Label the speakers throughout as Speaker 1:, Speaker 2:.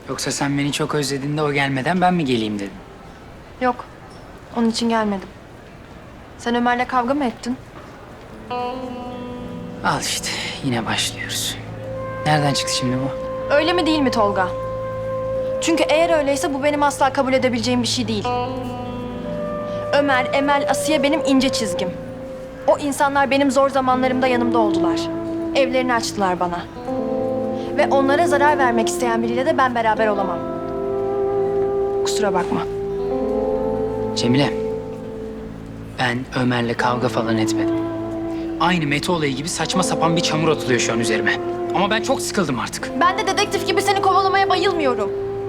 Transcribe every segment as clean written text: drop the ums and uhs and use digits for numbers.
Speaker 1: Yoksa sen beni çok özledin de o gelmeden ben mi geleyim dedin?
Speaker 2: Yok. Onun için gelmedim. Sen Ömer'le kavga mı ettin?
Speaker 1: Al işte yine başlıyoruz. Nereden çıktı şimdi bu?
Speaker 2: Öyle mi değil mi Tolga? Çünkü eğer öyleyse bu benim asla kabul edebileceğim bir şey değil. Ömer, Emel, Asiye benim ince çizgim. O insanlar benim zor zamanlarımda yanımda oldular. Evlerini açtılar bana. Ve onlara zarar vermek isteyen biriyle de ben beraber olamam. Kusura bakma.
Speaker 1: Cemile, ben Ömer'le kavga falan etmedim. Aynı Mete olayı gibi saçma sapan bir çamur atılıyor şu an üzerime. Ama ben çok sıkıldım artık.
Speaker 2: Ben de dedektif gibi seni kovalamaya bayılmıyorum.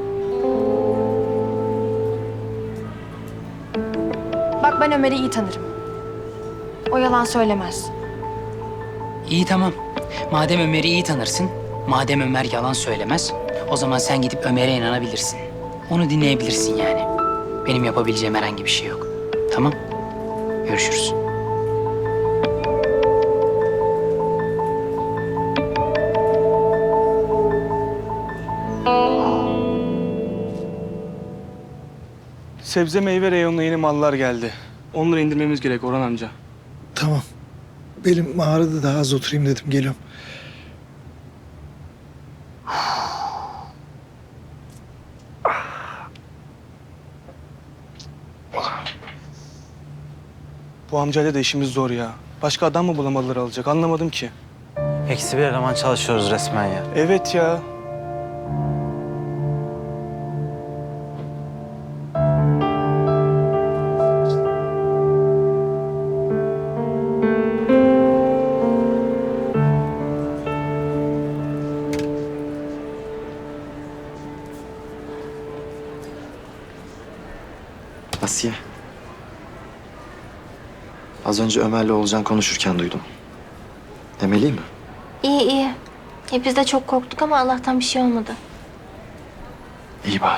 Speaker 2: Bak ben Ömer'i iyi tanırım. O yalan söylemez.
Speaker 1: İyi tamam. Madem Ömer'i iyi tanırsın, madem Ömer yalan söylemez, o zaman sen gidip Ömer'e inanabilirsin. Onu dinleyebilirsin yani. Benim yapabileceğim herhangi bir şey yok. Tamam? Görüşürüz.
Speaker 3: Sebze meyve reyonuna yeni mallar geldi. Onları indirmemiz gerek Orhan amca.
Speaker 4: Tamam. Belim ağrıdı, daha az oturayım dedim. Geliyorum.
Speaker 3: Bu amcayla da işimiz zor ya. Başka adam mı bulamadılar alacak anlamadım ki.
Speaker 5: Eksi bir eleman çalışıyoruz resmen ya.
Speaker 3: Evet ya.
Speaker 6: Asiye. Az önce Ömer'le Oğulcan konuşurken duydum. Emeli mi?
Speaker 7: İyi iyi. Biz de çok korktuk ama Allah'tan bir şey olmadı.
Speaker 6: İyi bari.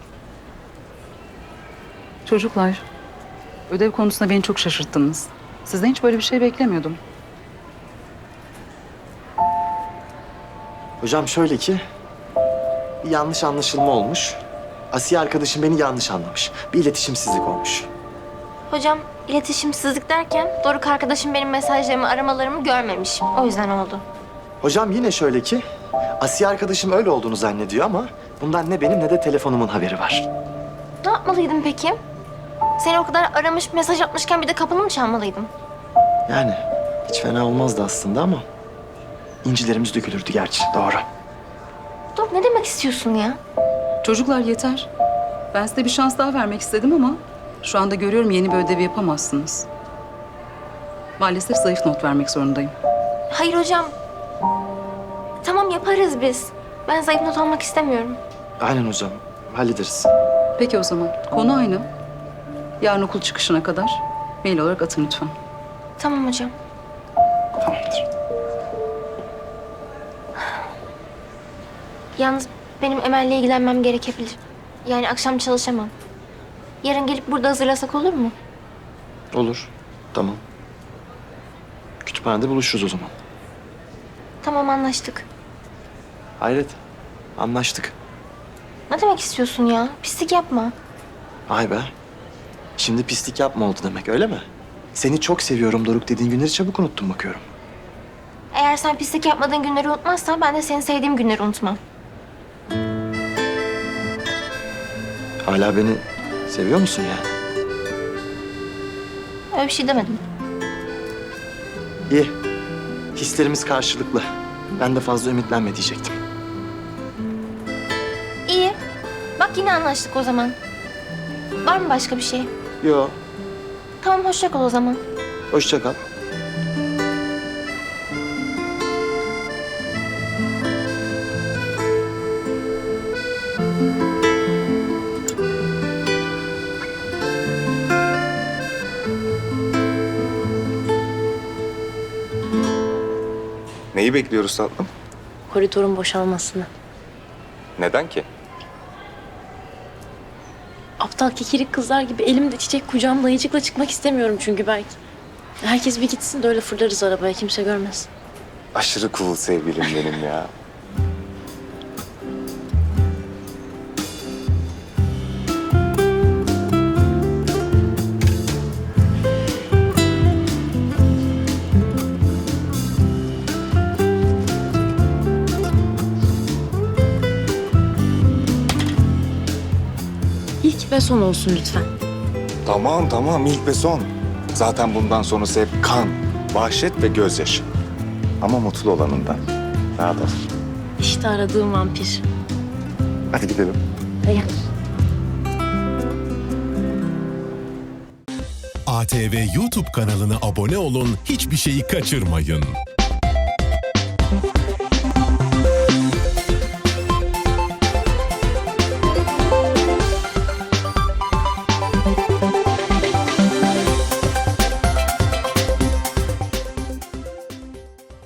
Speaker 8: Çocuklar, ödev konusunda beni çok şaşırttınız. Sizden hiç böyle bir şey beklemiyordum.
Speaker 6: Hocam şöyle ki... bir yanlış anlaşılma olmuş. Asiye arkadaşım beni yanlış anlamış. Bir iletişimsizlik olmuş.
Speaker 7: Hocam iletişimsizlik derken Doruk arkadaşım benim mesajlarımı aramalarımı görmemiş. O yüzden oldu.
Speaker 6: Hocam yine şöyle ki... Asiye arkadaşım öyle olduğunu zannediyor ama... bundan ne benim ne de telefonumun haberi var.
Speaker 7: Ne yapmalıydım peki? Seni o kadar aramış, mesaj atmışken bir de kapını mı çalmalıydım?
Speaker 6: Yani hiç fena olmazdı aslında ama... incilerimiz dökülürdü gerçi, doğru.
Speaker 7: Doruk ne demek istiyorsun ya?
Speaker 8: Çocuklar yeter. Ben size bir şans daha vermek istedim ama... şu anda görüyorum yeni bir ödev yapamazsınız. Maalesef zayıf not vermek zorundayım.
Speaker 7: Hayır hocam. Tamam yaparız biz. Ben zayıf not almak istemiyorum.
Speaker 6: Aynen hocam, hallederiz.
Speaker 8: Peki o zaman, konu aynı. Yarın okul çıkışına kadar mail olarak atın lütfen.
Speaker 7: Tamam hocam.
Speaker 6: Tamamdır.
Speaker 7: Yalnız benim Emel'le ilgilenmem gerekebilir. Yani akşam çalışamam. Yarın gelip burada hazırlasak olur mu?
Speaker 6: Olur, tamam. Kütüphanede buluşuruz o zaman.
Speaker 7: Tamam anlaştık.
Speaker 6: Hayret, anlaştık.
Speaker 7: Ne demek istiyorsun ya? Pislik yapma.
Speaker 6: Vay be. Şimdi pislik yapma oldu demek öyle mi? Seni çok seviyorum Doruk dediğin günleri çabuk unuttun bakıyorum.
Speaker 7: Eğer sen pislik yapmadığın günleri unutmazsan ben de seni sevdiğim günleri unutmam.
Speaker 6: Hala beni seviyor musun yani?
Speaker 7: Öyle bir şey demedim.
Speaker 6: İyi. Hislerimiz karşılıklı. Ben de fazla ümitlenme diyecektim.
Speaker 7: İyi. Bak yine anlaştık o zaman. Var mı başka bir şey?
Speaker 6: Yo,
Speaker 7: Tamam hoşça kal o zaman.
Speaker 6: hoşça kal.
Speaker 9: Neyi bekliyoruz tatlım?
Speaker 7: Koridorun boşalmasını.
Speaker 9: Neden ki?
Speaker 10: Aptal kekirik kızlar gibi elimde çiçek kucağımda ayıcıkla çıkmak istemiyorum çünkü belki. Herkes bir gitsin de öyle fırlarız arabaya kimse görmez.
Speaker 9: Aşırı cool sevgilim benim ya.
Speaker 10: ve son olsun lütfen.
Speaker 9: Tamam ilk ve son. Zaten bundan sonrası hep kan, vahşet ve gözyaşı. Ama mutlu olanından. Rahat ol.
Speaker 10: İşte aradığım vampir.
Speaker 9: Hadi gidelim.
Speaker 10: Dayan.
Speaker 11: ATV YouTube kanalına abone olun, hiçbir şeyi kaçırmayın.